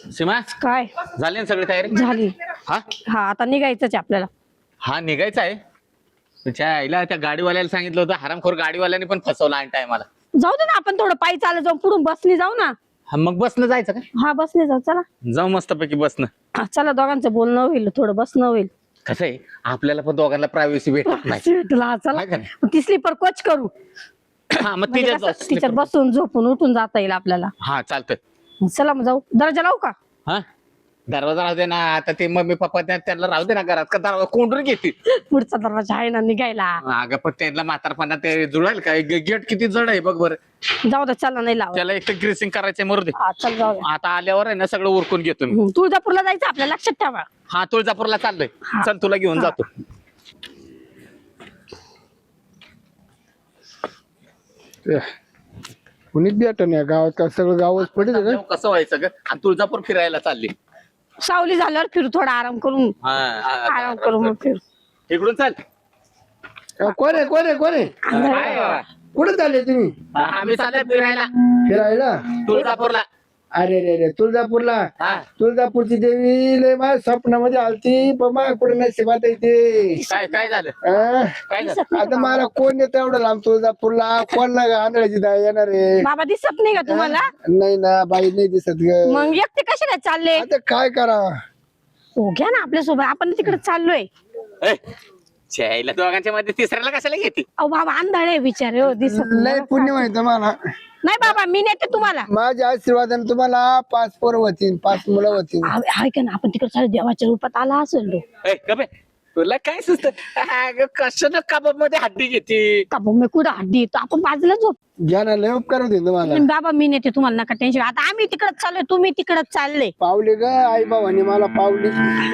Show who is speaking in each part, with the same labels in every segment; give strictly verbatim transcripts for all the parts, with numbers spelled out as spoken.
Speaker 1: सीमा
Speaker 2: काय
Speaker 1: झाली ना सगळी तयारी
Speaker 2: झाली?
Speaker 1: हा
Speaker 2: हा आता निघायचंच आहे आपल्याला.
Speaker 1: हा निघायचं आहे. तुझ्या आईला त्या गाडीवाल्याला सांगितलं होतं, हरामखोर गाडीवाल्याने पण फसवला आणि टायमाला.
Speaker 2: जाऊ दे ना, आपण थोडं पायी चालत जाऊ, पुढून बसने जाऊ ना.
Speaker 1: हा मग बसनं जायचं का?
Speaker 2: हा बसने जाऊ, चला.
Speaker 1: जाऊ मस्तपैकी बसनं.
Speaker 2: हा, चला, दोघांचं बोलणं होईल, थोडं बसणं होईल.
Speaker 1: कसं आहे, आपल्याला पण दोघांना प्रायव्हसी भेटत नाही.
Speaker 2: भेटला, हा, चला.
Speaker 1: हाय का नाही?
Speaker 2: मग ती स्लीपर कोच करू.
Speaker 1: हा मग
Speaker 2: म्हणजे
Speaker 1: तिच्यात
Speaker 2: कसं
Speaker 1: जाऊ.
Speaker 2: तिच्यात बसून झोपून उठून जाता येईल आपल्याला.
Speaker 1: हा चालतंय.
Speaker 2: चला मग जाऊ. दर्जा लावू का?
Speaker 1: हा दरवाजा राहू दे ना. आता ते मम्मी पप्पा त्या- त्यांना राहू दे ना घरात, का दरवाजा कोंडून घेतील.
Speaker 2: पुढचा दरवाजा आहे ना निघायला.
Speaker 1: अगं पण त्यांना म्हातारपणा ते जुळेल का? गेट किती जड आहे बघ बरं.
Speaker 2: जाऊ दे, चला, नाही लाव.
Speaker 1: त्याला एक तर ग्रेसिंग करायचंय, मरू दे.
Speaker 2: हा चल, जाऊ दे.
Speaker 1: आता आल्यावर आहे ना सगळं उरकून घेतो मी.
Speaker 2: हम्म, तुळजापूरला जायचं आपल्या, लक्षात ठेवा.
Speaker 1: हा तुळजापूरला चाललोय.
Speaker 2: हा.
Speaker 1: चल तुला घेऊन
Speaker 2: हा.
Speaker 1: जातो.
Speaker 3: कुणीच भेट नाही गावात, का सगळं गावच पडेल का?
Speaker 1: जाऊ, कसं व्हायचं ग? आणि तुळजापूर फिरायला चालली.
Speaker 2: सावली झाल्यावर फिरू, थोडा आराम करून.
Speaker 1: हा, हा,
Speaker 2: आराम करू मग फिरू.
Speaker 1: इकडून चाल.
Speaker 3: अ, कोण आहे कोण आहे कोण आहे
Speaker 1: काय बाबा?
Speaker 3: कुठे चालले तुम्ही?
Speaker 1: आम्ही चाललोय फिरायला
Speaker 3: फिरायला?
Speaker 1: तुळजापूरला.
Speaker 3: अरे रे रे, तुळजापूरला.
Speaker 1: हा.
Speaker 3: तुळजापूरची देवी लय माझ्या स्वप्नामध्ये आलती, पण माझ्या कुठे नशिबात येते.
Speaker 1: काय काय झालं?
Speaker 3: अं?
Speaker 1: काय झालं?
Speaker 3: आता मला कोण येतं एवढं लांब तुळजापूरला? कोण ना आंधळ्याची दाय येणार आहे?
Speaker 2: बाबा दिसत नाही का तुम्हाला?
Speaker 3: नाही ना बाई, नाही दिसत ग.
Speaker 2: मग एकटे कसे काय चालले?
Speaker 3: आता काय करा?
Speaker 2: हो घ्या ना आपल्या सोबत, आपण तिकडे चाललोय.
Speaker 1: ए, छायला दोघांच्या मध्ये तिसऱ्याला कशाला घेते?
Speaker 2: अहो बाबा अंधाळे बिचारे, हो दिसत
Speaker 3: लय
Speaker 2: नाही.
Speaker 3: पुण्य माहित मला.
Speaker 2: नाही बाबा, मी नेते तुम्हाला.
Speaker 3: माझ्या आशीर्वादाने तुम्हाला पाच पोरं होतील, पाच मुलं होतील.
Speaker 2: अहो, ऐका ना, आपण तिकडे चालू, देवाच्या रूपात आला असेल तो.
Speaker 1: ए, गबे, तुला काय सुचत? कशानं कबाब मध्ये हड्डी घेते?
Speaker 2: का भाऊ, मी कुठं हड्डी येतो, आपण बाजूला झोप.
Speaker 3: घ्या ना, लय उपकार होतील तुम्हाला.
Speaker 2: बाबा मी नेते तुम्हाला, नका टेन्शन. आता आम्ही तिकडच चाललोय, तुम्ही तिकडच चालले.
Speaker 3: पावले ग आई बाबांनी मला पावली.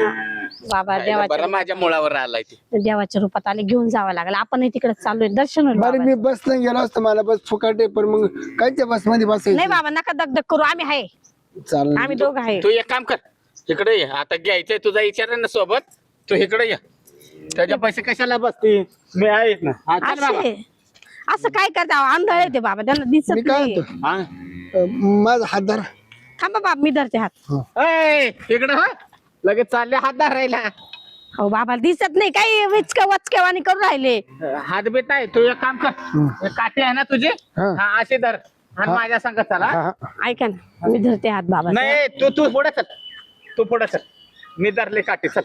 Speaker 2: बाबा
Speaker 1: बरं
Speaker 2: देवाच्या
Speaker 1: माझ्या मुळावर आलाय ते.
Speaker 2: देवाच्या रूपात आले, घेऊन जावं लागलं. आपणही तिकडच चाललोय, दर्शन होईल
Speaker 3: बरं मी
Speaker 2: बाबाचं.
Speaker 3: बस नाही गेलो असतो, मला बस फुकाटे, पण मग कायच्या बस मध्ये
Speaker 2: नाही
Speaker 3: बसायचं?
Speaker 2: बाबा, नका दगदग करू, आम्ही आहे.
Speaker 3: चालेल.
Speaker 2: आम्ही दोघं आहे.
Speaker 1: तू एक काम कर, इकडे ये. आता घ्यायचंय तुझा विचार ना सोबत. तू इकडे ये. त्याच्या पैसे कशाला बसते? मी आहे ना. हा, चल बाबा.
Speaker 2: असे असं काय करता? आंधळे ते बाबा, त्यांना
Speaker 3: मी
Speaker 2: दिसत
Speaker 3: काय
Speaker 2: नाही.
Speaker 3: म्हणतो,
Speaker 1: हा.
Speaker 3: अं, माझा हात धरा.
Speaker 2: थांबा बाबा, मी धरते हात.
Speaker 1: ए, इकडे हो. लगेच चालले हात धरायला.
Speaker 2: हो बाबा दिसत नाही, काही विचका वचकेवाणी करून राहिले.
Speaker 1: हात बेत नाही. तू एक काम कर, हे काठी आहे ना तुझे,
Speaker 3: हा.
Speaker 1: हा असे धर आणि
Speaker 3: हा.
Speaker 1: माझ्या संग चला.
Speaker 3: हा, हा.
Speaker 2: ऐका ना, मी धरते हात बाबा.
Speaker 1: नाही तू तू पुढे चल. तू पुढे चल. मी धरले काठी, चल.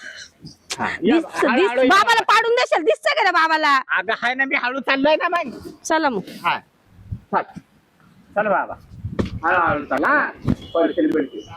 Speaker 1: हा, या,
Speaker 2: दिस
Speaker 1: हळू-
Speaker 2: दिस
Speaker 1: हळू ये.
Speaker 2: बाबाला पाडून देशाल, दिसत का रे बाबाला?
Speaker 1: अगं हाय ना, मी हळू चाललोय ना मग.
Speaker 2: चला मग.
Speaker 1: हा चल चल बाबा, हळू हळू चला. पडतील पडतील.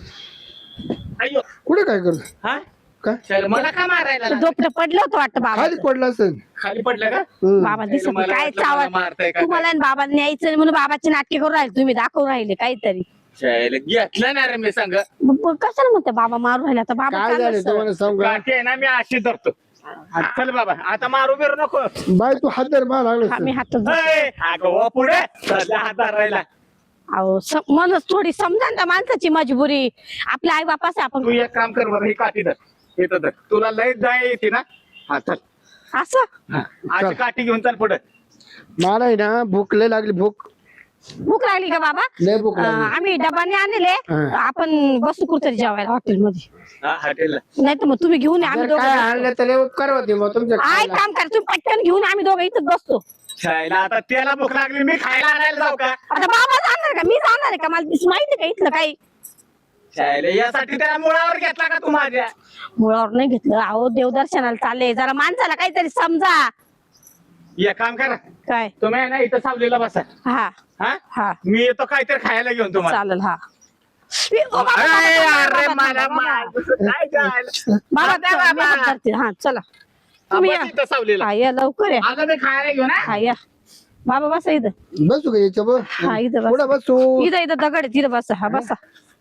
Speaker 1: अय्यो.
Speaker 3: कुठे काय करतो?
Speaker 1: हा
Speaker 3: काय
Speaker 1: चल, मला का मारायला लागला?
Speaker 2: झोपडं पडलं होतं वाटतं बाबा.
Speaker 3: खाली पडला असेल.
Speaker 1: खाली पडलं का?
Speaker 3: हम्म.
Speaker 2: बाबा दिसत नाही.
Speaker 1: मला
Speaker 2: काय
Speaker 1: वाटलं मला मारताय
Speaker 2: चावत
Speaker 1: का
Speaker 2: तुम्हाला आणि बाबाला न्यायचं नाही म्हणून बाबाचे नाटके करून राहिले, तुम्ही दाखवून राहिले काहीतरी.
Speaker 1: चल, घेतलं ना रे मी सांग.
Speaker 2: मग- मग कशाला म्हणते बाबा मारू राहिला? तर बाबा
Speaker 3: काय
Speaker 2: चाललं
Speaker 3: झालं
Speaker 2: सरळ.
Speaker 3: तुम्हाला सांगू का?
Speaker 1: काठी आहे ना, मी अशी धरतो. हा, चल बाबा, आता मारू बिरू नको.
Speaker 3: बाय तू हात धर, मला लागलं
Speaker 2: हा, मी
Speaker 3: असेल.
Speaker 2: हात
Speaker 1: ए, अगं व पुढे सध्या हात धरायला.
Speaker 2: अहो स- मनच थोडी समजा ना माणसाची मजबुरी. आपल्या आई बापाच आपण
Speaker 1: तू एक काम कर बरं, ही काठी धर. इथं धर. तुला लय जाय येते ना. हा चल.
Speaker 2: असं
Speaker 1: हा, अशी काठी घेऊन चल पुढे.
Speaker 3: मला आहे ना भूक लय लागली, भूक
Speaker 2: भूक लागली का बाबा?
Speaker 3: लय भूक
Speaker 2: अं,
Speaker 3: लागली.
Speaker 2: आम्ही डबाने आणले.
Speaker 3: हा.
Speaker 2: आपण बसू कुठतरी जेवायला हॉटेलमध्ये.
Speaker 1: हा, हॉटेलला.
Speaker 2: नाही तर मग तुम्ही घेऊन या, आम्ही
Speaker 3: जर काय
Speaker 2: दोघं
Speaker 3: आणलं तर लय उपकार होते मग तुमच्या
Speaker 2: आय
Speaker 3: खायला.
Speaker 2: काम करा, तुम्ही पटकन घेऊन आम्ही दोघं इथंच बसतो.
Speaker 1: खायला आता त्याला भूक लागली, मी खायला आणायला जाऊ का?
Speaker 2: आता बाबा जाणार का? मी जाणार आहे का? मला दिस- माहिती का इथलं काही?
Speaker 1: खायला यासाठी त्याला मुळावर घेतला का तू माझ्या?
Speaker 2: मुळावर नाही घेतलं. अहो देवदर्शनाला चालले, जरा माणसाला काहीतरी समजा.
Speaker 1: एक काम करा,
Speaker 2: काय?
Speaker 1: तुम्ही आहे ना इथं सावलीला बसा.
Speaker 2: हा
Speaker 1: हा
Speaker 2: हा
Speaker 1: मी येतो काहीतरी खायला घेऊन तुम्हाला.
Speaker 2: चालेल. हा ए, ओ, बाबा, बाबा,
Speaker 1: अरे,
Speaker 2: बाबा,
Speaker 1: अरे,
Speaker 2: बाबा,
Speaker 1: मला
Speaker 2: बाबा,
Speaker 1: मार- काय जायला?
Speaker 2: बाबा,
Speaker 1: द्या
Speaker 2: चला, मी
Speaker 1: बाबा.
Speaker 2: हात धरते. हा चला तुम्ही या.
Speaker 1: बस इथं सावलीला.
Speaker 2: हा या लवकर या.
Speaker 1: आलं मी खायला घेऊन हा?
Speaker 2: हा या बाबा, बसा इथं.
Speaker 3: बसू का याच्या
Speaker 2: हा इथं
Speaker 3: पुढे
Speaker 2: बसा.
Speaker 3: बसू.
Speaker 2: इथं इथं दगड आहे, तिथं बसा. हा बसा.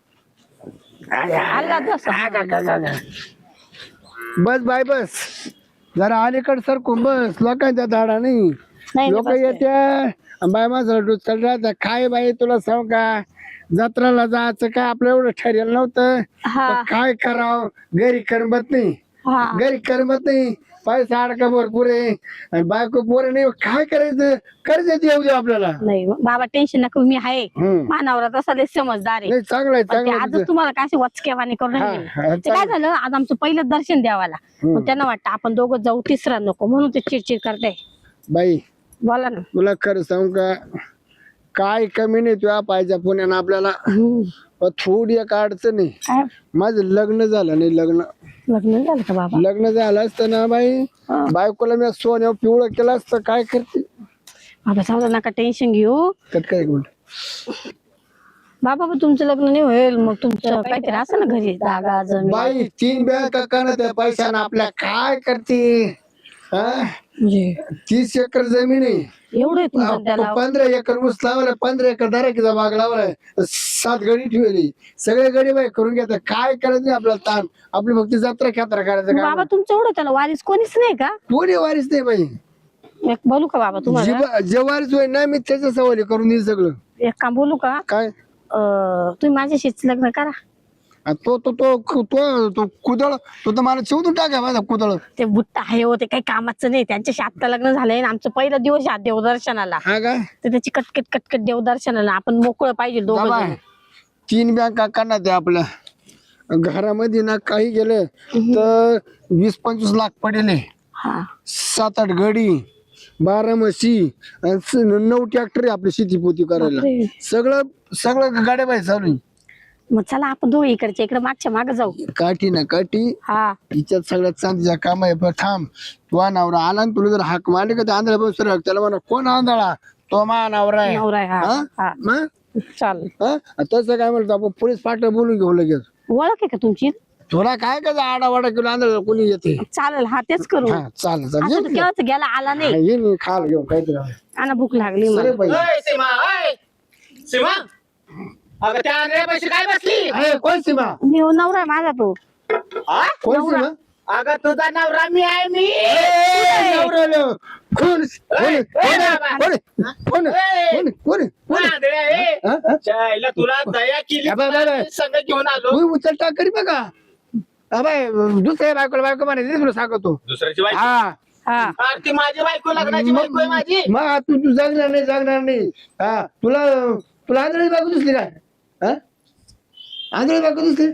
Speaker 2: आला बसा.
Speaker 3: बस बाय बस, जरा अलीकड सरकून बस, लोकांच्या धाडा नाही.
Speaker 2: नाही
Speaker 3: लोक
Speaker 2: बसते.
Speaker 3: येते बाय माझं डुचल राहत. काय बाई तुला सांग का, जत्राला जायचं काय आपलं एवढं ठरेल नव्हतं.
Speaker 2: हा
Speaker 3: तर काय करावं, घरी करमत नाही.
Speaker 2: हा
Speaker 3: घरी करमत नाही, पैसा अडका भरपूर आहे आणि बायको पोर नाही, काय करायचं? कर्ज येऊ दे आपल्याला.
Speaker 2: नाही बाबा टेन्शन नका, मी आहे.
Speaker 3: हम्म.
Speaker 2: मानावर तसा लय समजदार आहे.
Speaker 3: नाही चांगलं आहे,
Speaker 2: पण ते
Speaker 3: चांगलं आहे
Speaker 2: आजच
Speaker 3: तुझं.
Speaker 2: तुम्हाला काय वचकेवाणी करून
Speaker 3: हा,
Speaker 2: राहिले.
Speaker 3: हा,
Speaker 2: ते काय झालं, आज आमचं पहिलं दर्शन द्यावाला. मग त्यांना वाटतं आपण दोघं जाऊ, तिसरा नको, म्हणून ते चिडचिड करते.
Speaker 3: बाई
Speaker 2: बोला ना.
Speaker 3: तुला खरं सांगू का, काय कमी नाही तुझ्या पाहिजे पुण्यानं आपल्याला.
Speaker 2: हम्म.
Speaker 3: पण थोडी एक अडचण आहे,
Speaker 2: काय
Speaker 3: माझं लग्न झालं नाही. लग्न
Speaker 2: लग्न झालं का बाबा?
Speaker 3: लग्न झालं असतं ना बाई, बायकोला मी सोन्या पिवळं केलं असतं. काय करते?
Speaker 2: बाबा जाऊ दे, नका टेन्शन घेऊ.
Speaker 3: कट काय एक मिनिट.
Speaker 2: बाबा पण तुमचं लग्न नाही होईल, मग तुमचं काहीतरी असं ना घरी जागा जमीन.
Speaker 3: बाई तीन बँका काढत आहे पैशानं आपल्या, काय करते? हा?
Speaker 2: म्हणजे
Speaker 3: तीस एकर जमीन आहे,
Speaker 2: एवढं आहे तुमचं त्याला?
Speaker 3: पंधरा एकर ऊस लावलाय, पंधरा एकर दराकीचा बाग लावलाय, सात गडी ठेवली, सगळे गडी बाई करून घेतात. काय करायचं नाही आपल्याला ताण, आपली फक्त जत्रा खेत्रा करायचं
Speaker 2: मग
Speaker 3: का?
Speaker 2: बाबा तुमचं एवढं त्याला वारीस कोणीच नाही का?
Speaker 3: कोणी वारीच नाही बाई.
Speaker 2: एक बोलू का बाबा तुम्हाला?
Speaker 3: जे- जे वारीच होय ना, मी त्याच्या सवाली करून देईल सगळं.
Speaker 2: एक काम बोलू का?
Speaker 3: काय?
Speaker 2: अं, तुम्ही माझ्याशीच लग्न करा.
Speaker 3: आ, तो तो तो तो तो कुदळ, तो तर मला शिवून टाका माझा कुदळ.
Speaker 2: ते बुट्टा आहे हो, ते काही कामाचं नाही. त्यांच्याशी आत्ता लग्न झालंय आणि आमचं पहिला दिवस आहे देवदर्शनाला.
Speaker 3: हा काय?
Speaker 2: तर त्याची कटकट कटकट देवदर्शनाला आपण मोकळं पाहिजे दोघं
Speaker 3: बाबा,
Speaker 2: जण.
Speaker 3: तीन बँका काढणार त्या आपल्या घरामध्ये ना, काही गेलं तर वीस पंचवीस लाख पडेल.
Speaker 2: हा
Speaker 3: सात आठ गडी, बारा म्हशी आणि स- नऊ ट्रॅक्टर आपली शेती पोती करायला.
Speaker 2: बापरे.
Speaker 3: सगळं सगळं गाड्या बाई चालू आहे.
Speaker 2: मग चला आपण दोघं इकडच्या इकडे मागच्या माग जाऊ.
Speaker 3: काठी ना काठी,
Speaker 2: हा
Speaker 3: हिच्यात सगळ्यात चांदीचा काम आहे. पण थांब, तुझा नवरा आला ना, तुला जर हाक मारली का आंधळा बसर, त्याला म्हणा कोण आंधळा? तो मा नवरा आहे.
Speaker 2: नवरा आहे, हा.
Speaker 3: हा?
Speaker 2: हा.
Speaker 3: मग?
Speaker 2: चाल
Speaker 3: हा? तसं काय म्हणतो आपण, पोलीस पाठ बोलून घेऊ लगेच.
Speaker 2: ओळख आहे का तुमची?
Speaker 3: तुला काय का आडावाडा केला आंधळा कोणी येते?
Speaker 2: चालेल, हा तेच करू.
Speaker 3: हा चालेल
Speaker 2: असं तर
Speaker 3: चालेल.
Speaker 2: केव्हाच गेला आला नाही.
Speaker 3: ये नाही खाल घेऊ काहीतरी.
Speaker 2: आणि भूक लागली मला.
Speaker 3: सरे बाई.
Speaker 1: ओय, सीमा ओय. सीमा अगं त्या आंधळ्यापाशी काय बसली?
Speaker 3: अरे कोण सीमा?
Speaker 2: मी नवरा आहे माझा तो.
Speaker 1: हा?
Speaker 3: कोण सीमा?
Speaker 1: अगं तुझा नवरा मी आहे मी.
Speaker 3: नवऱ्याला. कोण? कोण?
Speaker 1: ए,
Speaker 3: कोण?
Speaker 1: बाबा.
Speaker 3: कोण? कोण? कोण? कोण? कोण?
Speaker 1: आंधळ्या आहे.
Speaker 3: हा? हा?
Speaker 1: चायला तुला दया केली,
Speaker 3: बाबा, बाबा.
Speaker 1: संग घेऊन आलो.
Speaker 3: तू उचल टाक करी बघा. अबाय दुसऱ्या बायकोला बायको म्हणायचं तुला सांगतो.
Speaker 1: दुसऱ्याची बायको?
Speaker 3: हा
Speaker 2: हा
Speaker 1: अरे ती माझी बायको, लग्नाची बायको आहे माझी.
Speaker 3: मग तू तू जगणार नाही, जगणार नाही. हा तुला तुला आंधळी बायको दिसली काय? हा? आंधळी बायको दिसली?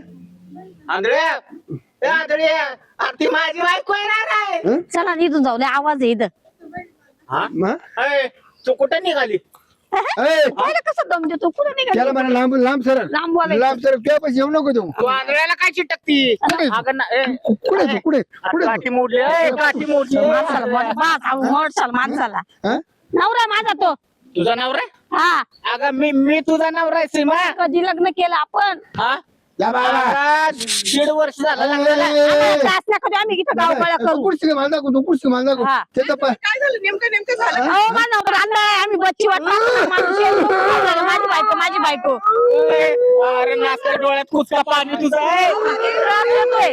Speaker 1: आंधळ्या ए, आंधळ्या अरे ती माझी बायको आहे ना रे.
Speaker 3: हं?
Speaker 2: चला इथून जाऊ दे, आवाज आहे इथं.
Speaker 1: हा?
Speaker 3: मग?
Speaker 1: ए, तू कुठं निघाली?
Speaker 3: ए,
Speaker 2: पाहिलं कसं दम देतो, कुठं
Speaker 3: त्याला
Speaker 2: निघाली?
Speaker 3: म्हणा लांब लांब सर,
Speaker 2: लांब बोलायचं.
Speaker 3: लांब सर, तुझ्या पैसे येऊ नको देऊ.
Speaker 1: तू आंधळ्याला काय चिटकती? अगं ना- ए,
Speaker 3: कुठे तू कुठे कुठे तू?
Speaker 1: काठी मोडली ए, काठी मोडली.
Speaker 2: माणसाला बोला, बास, हा मोडसाल माणसाला.
Speaker 3: हा?
Speaker 2: नवरा आहे माझा तो.
Speaker 1: तुझा नवरा?
Speaker 2: हा
Speaker 1: अगं मी मी तुझा नवरा आहे सीमा.
Speaker 2: कधी लग्न केलं आपण?
Speaker 1: हा?
Speaker 3: या बाबा.
Speaker 1: अगं, दीड वर्ष झालं लग्नाला.
Speaker 3: ए,
Speaker 2: त्रास नका देऊ, आम्ही इथं गावगाळा
Speaker 3: तू
Speaker 2: करू.
Speaker 3: कुठची माल दाखव, तू कुठची माल दाखव.
Speaker 2: हा.
Speaker 3: त्याचा पाय
Speaker 1: काय झालं नेमकं नेमकं झालं?
Speaker 2: अहो, माझा नवरा आणलाय, आम्ही बच्ची वाट पाहतो. माणूस येतो, झालं, माझी बायको माझी बायको.
Speaker 1: ए, अरे नाचत्या डोळ्यात कुचका पाणी तुझं आहे.
Speaker 2: त्रास देतोय.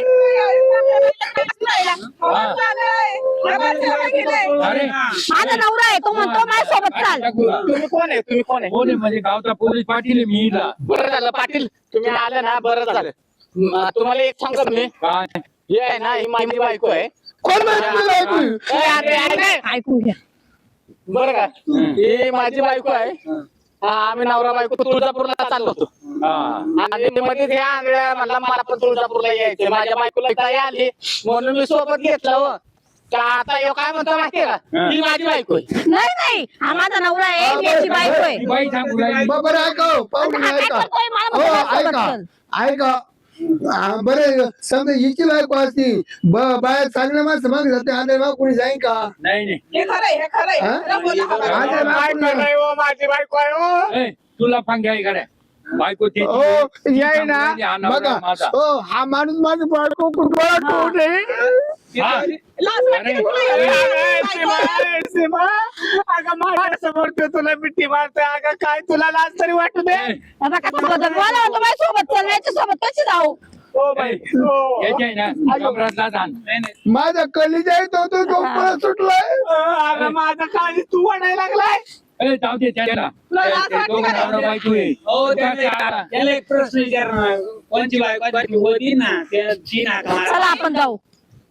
Speaker 1: अरे
Speaker 2: माझा नवरा आहे, तो म्हणतो माझ्यासोबत चाल.
Speaker 1: तुम्ही कोण आहे? तुम्ही कोण आहे?
Speaker 4: कोण आहे म्हणजे गावचा पोलीस पाटील आहे मी इथला.
Speaker 1: बरं झालं पाटील, तुम्ही आले ना, बरं झालं. म, तुम्हाला एक सांगा मी,
Speaker 4: काय
Speaker 1: हे आहे ना, ही माझी बायको आहे.
Speaker 3: कोण माहिती तुला ऐकू?
Speaker 1: ए, अरे, अरे,
Speaker 2: ऐकून घ्या.
Speaker 1: बरं का, ही माझी बायको आहे. हा, आम्ही नवरा बायको तुळजापूरला चाललो होतो.
Speaker 4: हा
Speaker 1: आणि मध्ये ह्या आंधळ्या म्हणला मला पण तुळजापूरला यायचं, माझ्या बायकोला काय आली म्हणून मी सोबत घेतलं. हो तर आता ह्यो काय म्हणतो माहितीये का, ही माझी बायको आहे.
Speaker 2: नाही नाही, हा माझा नवरा आहे, मी याची बायको आहे.
Speaker 4: ती बाई सांगू लागली.
Speaker 3: बरं ऐका पाहुणे
Speaker 2: आता काय
Speaker 3: ऐका.
Speaker 2: करतोय? मला
Speaker 3: हो
Speaker 2: म्हणतो माझ्यासोबत
Speaker 3: ऐका
Speaker 2: चल.
Speaker 3: ऐका. हा, बरं समजा हिची बायको असती, ब- बाया चांगल्या माणसं मागे जाते, आंधळे माग कोणी जाईन का?
Speaker 4: नाही नाही
Speaker 3: हा? आंधळे माग
Speaker 1: बायको
Speaker 3: कोणी-
Speaker 1: नाही हो, माझी बायको आहे हो.
Speaker 4: ए, तुला फांग्या आहे का बायको त्याची.
Speaker 3: हो याय ना
Speaker 4: हा नवरा
Speaker 3: बघा.
Speaker 4: माझा.
Speaker 3: हो हा माणूस माझी बायको कुठं
Speaker 4: हा. अरे,
Speaker 1: ए, सीमा, ए, सीमा, अगं माझ्यासमोर तो तुला मिठी मारतोय. अगं काय तुला लाज तरी वाटू दे.
Speaker 4: ए,
Speaker 2: आता का तुला तर मला म्हणतो माझ्यासोबत चल, याच्यासोबत कशी जाऊ?
Speaker 1: हो बाई, हो.
Speaker 4: याची आहे ना कमरातला धान.
Speaker 3: माझा कलिजा येतो तो तो पळत सुटलाय.
Speaker 1: अगं माझं काळजी तू वाढायला लागलाय.
Speaker 4: ए, जाऊ दे त्याला. ते- ते दोघं नवरा बायको आहे.
Speaker 5: हो
Speaker 4: त्याच्या-
Speaker 5: त्याला त्याला एक प्रश्न विचारणार कोणची बायको बायको होती ना त्याची नाका
Speaker 2: चला आपण जाऊ.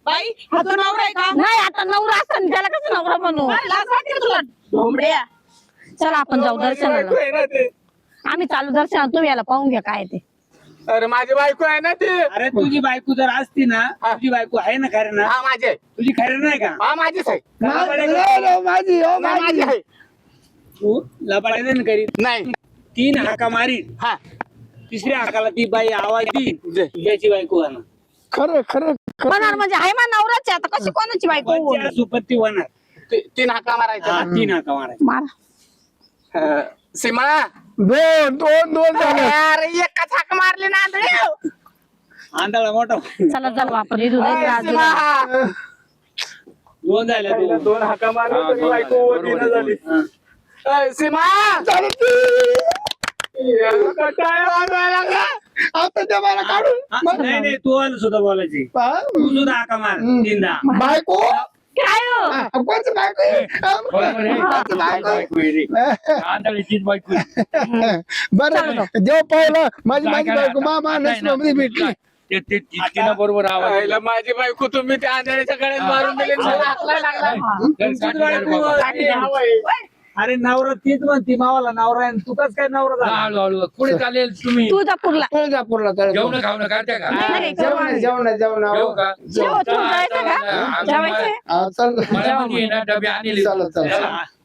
Speaker 5: बाई हा तो नवरा आहे का
Speaker 2: नाही आता नवरा असताना त्याला कसं नवरा बनवू
Speaker 5: अरे, लाज वाटते का तुला ढोंबड्या
Speaker 2: चला आपण जाऊ
Speaker 1: माझी बायको
Speaker 2: दर्शनाला
Speaker 1: आहे ना ते.
Speaker 2: आम्ही चालू दर्शनाला तुम्ही याला पाहून घ्या काय ते
Speaker 1: अरे माझी बायको आहे ना ती
Speaker 6: अरे तुझी बायको जर असती ना तुझी बायको आहे ना खरं ना
Speaker 1: हा माझी आहे.
Speaker 6: तुझी खरं नाही का
Speaker 1: हा माझीच आहे.
Speaker 3: मा- नाही, नाही, माझी हो
Speaker 1: नाही, माझी
Speaker 3: माझी
Speaker 1: आहे.
Speaker 6: तू लबाडायचं करीत
Speaker 1: नाही
Speaker 6: तीन हाका मारी
Speaker 1: हा
Speaker 6: तिसऱ्या हाकाला ती बाई आवाज देईल
Speaker 1: दे.
Speaker 6: तुझ्याची बायको होणार
Speaker 3: खरं खरं खरं
Speaker 2: होणार म्हणजे आहे मा नवराची आता कशी कोणाची बायको होईल?
Speaker 6: पंचायत सुपत्ती होणार
Speaker 1: ती- तीन हाका मारायचा
Speaker 6: हा, तीन हाका मारायची
Speaker 2: मारा
Speaker 1: सीमा
Speaker 3: दोन दोन दोन झाले
Speaker 1: अरे एकच हाक मारली ना आंधळी.
Speaker 6: आंधळा मोठा
Speaker 2: चला चल वापर इथून
Speaker 1: अरे
Speaker 2: राजू
Speaker 1: सीमा.
Speaker 6: दोन झाले
Speaker 1: पहिला दोन हाका मारल्या
Speaker 4: हा,
Speaker 1: तरी
Speaker 4: दोन
Speaker 1: बायको
Speaker 4: झाल्या.
Speaker 1: होती ना
Speaker 4: बरोबर,
Speaker 1: झाली.
Speaker 6: दोन.
Speaker 1: अरे सीमा कंटाळा वाजवायला लागला.
Speaker 3: आता ते मला काढून
Speaker 6: हा, नाही नाही तू आलं सुद्धा बोलायची
Speaker 3: पहा.
Speaker 6: तू सुद्धा हाका मार तीनदा
Speaker 3: बायको
Speaker 2: काय हो?
Speaker 3: हा, कोणचं बायको आहे?
Speaker 4: बरोबर आहे.
Speaker 3: कोणचं बायको आहे?
Speaker 4: बायको आहे रे. आंधळीचीच बायको आहे.
Speaker 3: बरं देव पाहिलं माझी
Speaker 4: काय
Speaker 3: माझी
Speaker 4: करा
Speaker 3: बायको
Speaker 4: आता?
Speaker 3: मामा
Speaker 4: आता आहे ना,
Speaker 3: नसल्यामध्ये भेटली
Speaker 4: ते- ते- ती- तिनं बरोबर आवाज दिला.
Speaker 1: पहिला माझी बायको तुम्ही त्या आंधळीच्या गळ्यात मारून दिली मला हाकलायला लागला.
Speaker 4: तर साठी नाही रे बाबा.
Speaker 1: हा बाई.
Speaker 6: अरे नवरा तीच म्हणती मावाला नवरा आहे आणि तू कस काय नवरा झाला
Speaker 4: हळू हळू पुढे चालेल तुम्ही
Speaker 2: तुळजापूरला
Speaker 3: तुळजापूरला तर
Speaker 4: जेवण खावणं करते का
Speaker 2: नाही, नाही,
Speaker 3: जेवण जेवण जेवण
Speaker 4: जेवू का
Speaker 2: जेव, तू जायचं का?
Speaker 4: हा,
Speaker 2: जेवायचंय?
Speaker 3: हा, चल
Speaker 4: मला म्हणजे ना डबे आणले
Speaker 3: चला चला
Speaker 6: चला.